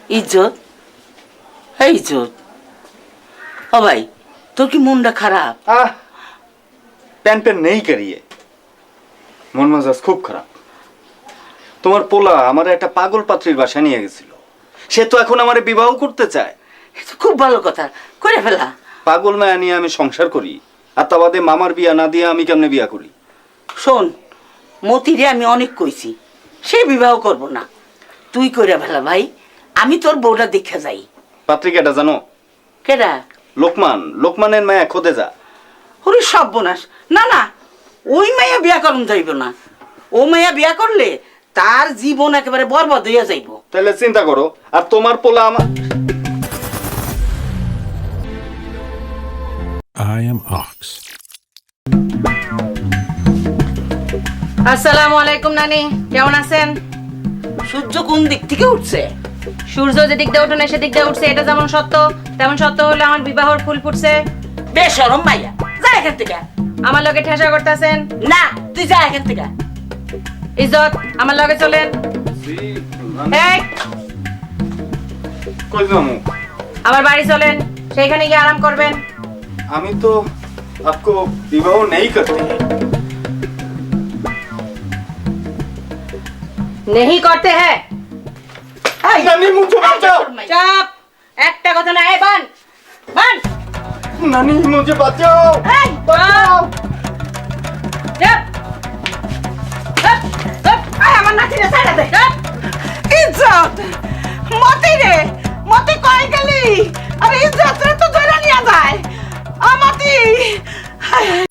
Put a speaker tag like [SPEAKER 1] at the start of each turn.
[SPEAKER 1] ইজ্জত, এই ইজ্জত। ও ভাই, তোর কি মনটা খারাপ?
[SPEAKER 2] প্যান প্যান নেই কারিয়ে, মন মেজাজ খুব খারাপ। তোমার পোলা আমার একটা পাগল পাত্রীর বাসা নিয়ে গেছিল, সে তো এখন আমার বিবাহ করতে চায়।
[SPEAKER 1] খুব ভালো কথা, করে ফেলা।
[SPEAKER 2] পাগল মায়া নিয়ে আমি সংসার করি, আর তা বাদে মামার বিয়া না দিয়ে আমি কেমনে বিয়া করি?
[SPEAKER 1] শোন, মতিরে আমি অনেক কইছি, সে বিবাহ করব না, তুই করে ফেলা ভাই। আমি তোর বউটা দেখে যাই।
[SPEAKER 2] পাত্রী কেটা জানো?
[SPEAKER 1] কেডা?
[SPEAKER 2] লোকমানের মায়া খোদে যা।
[SPEAKER 1] ওরে সর্বনাশ, না না, ওই মাইয়া বিয়া করুন যাইব না। ও মাইয়া বিয়া করলে তার জীবন একেবারে বরবাদ হইয়া যাইব।
[SPEAKER 2] তাহলে চিন্তা করো, আর তোমার পোলা আমার।
[SPEAKER 3] I am Ox.
[SPEAKER 4] আসসালামু আলাইকুম নানি, কেমন আছেন?
[SPEAKER 1] সূর্য কোন দিক থেকে উঠছে?
[SPEAKER 4] সূর্য যেদিক দিয়ে ওঠে না সেদিক দিয়ে উঠছে, এটা যেমন সত্য তেমন সত্য হলো আমার বিবাহর ফুল ফুটছে।
[SPEAKER 1] বেশরম মাইয়া, যা এখান থেকে।
[SPEAKER 4] আমার লগে ঠেসা করতেছেন
[SPEAKER 1] না, তুই যা এখান থেকে।
[SPEAKER 4] ইজ্জত, আমার লগে চলেন। এই,
[SPEAKER 2] কই যামু?
[SPEAKER 4] আমার বাড়ি চলেন, সেইখানে গিয়ে আরাম করবেন।
[SPEAKER 2] আমি তো आपको विवाह नहीं करते।
[SPEAKER 4] नहीं करते हैं।
[SPEAKER 2] नानी मुझे बचाओ।
[SPEAKER 4] চাপ, একটা কথা না। এই বান বান,
[SPEAKER 2] नानी मुझे बचाओ।
[SPEAKER 4] এই বান, চাপ চাপ চাপ।
[SPEAKER 1] আয় আমার নাতিরে ছাড়া দে।
[SPEAKER 4] চাপ।
[SPEAKER 1] ইজ্জত, মতি রে, মতি কই গেলি? আরে ইজ্জত রে তো ধরে নিয়ে যায়। আমতি